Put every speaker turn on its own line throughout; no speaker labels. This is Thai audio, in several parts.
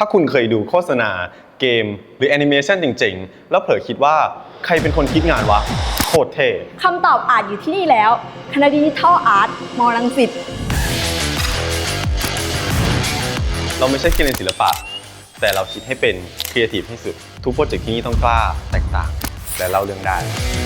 ถ้าคุณเคยดูโฆษณาเกมหรือแอนิเมชันจริงๆแล้วเผลอคิดว่าใครเป็นคนคิดงานวะโคตรเท่
คำตอบอาจอยู่ที่นี่แล้วคณะดิจิทัลอาร์ตมรังสิต
เราไม่ใช่แค่เรียนศิลปะแต่เราคิดให้เป็นครีเอทีฟที่สุดทุกโปรเจกต์ที่นี่ต้องกล้าแตกต่างและเล่าเรื่องได้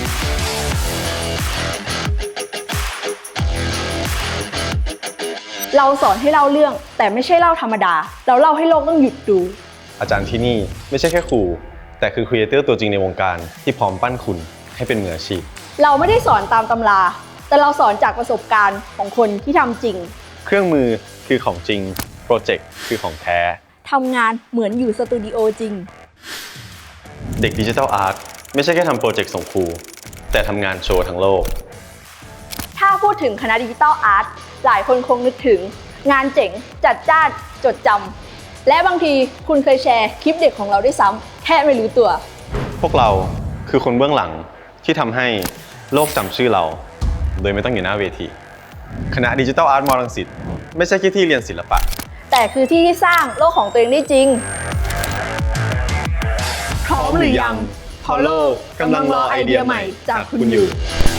เราสอนให้เล่าเรื่องแต่ไม่ใช่เล่าธรรมดาเราเล่าให้โลกต้องหยุดดู
อาจารย์ที่นี่ไม่ใช่แค่ครูแต่คือครีเอเตอร์ตัวจริงในวงการที่พร้อมปั้นคุณให้เป็นมืออาชีพ
เราไม่ได้สอนตามตำราแต่เราสอนจากประสบการณ์ของคนที่ทำจริง
เครื่องมือคือของจริงโปรเจกต์คือของแท้
ทำงานเหมือนอยู่สตูดิโอจริง
เด็กดิจิทัลอาร์ตไม่ใช่แค่ทำโปรเจกต์ส่งครูแต่ทำงานโชว์ทั้งโลก
ถ้าพูดถึงคณะดิจิทัลอาร์ตหลายคนคงนึกถึงงานเจ๋งจัดจ้านจดจำและบางทีคุณเคยแชร์คลิปเด็กของเราด้วยซ้ำแค่ไม่รู้ตัว
พวกเราคือคนเบื้องหลังที่ทำให้โลกจำชื่อเราโดยไม่ต้องอยู่หน้าเวทีคณะดิจิทัลอาร์ตมรังสิตไม่ใช่แค่ที่เรียนศิลปะ
แต่คือที่ที่สร้างโลกของตัวเองได้จริงพร้อมหรือยังเพราะโลกกำลังรอไอเดียใหม่จากคุณอยู่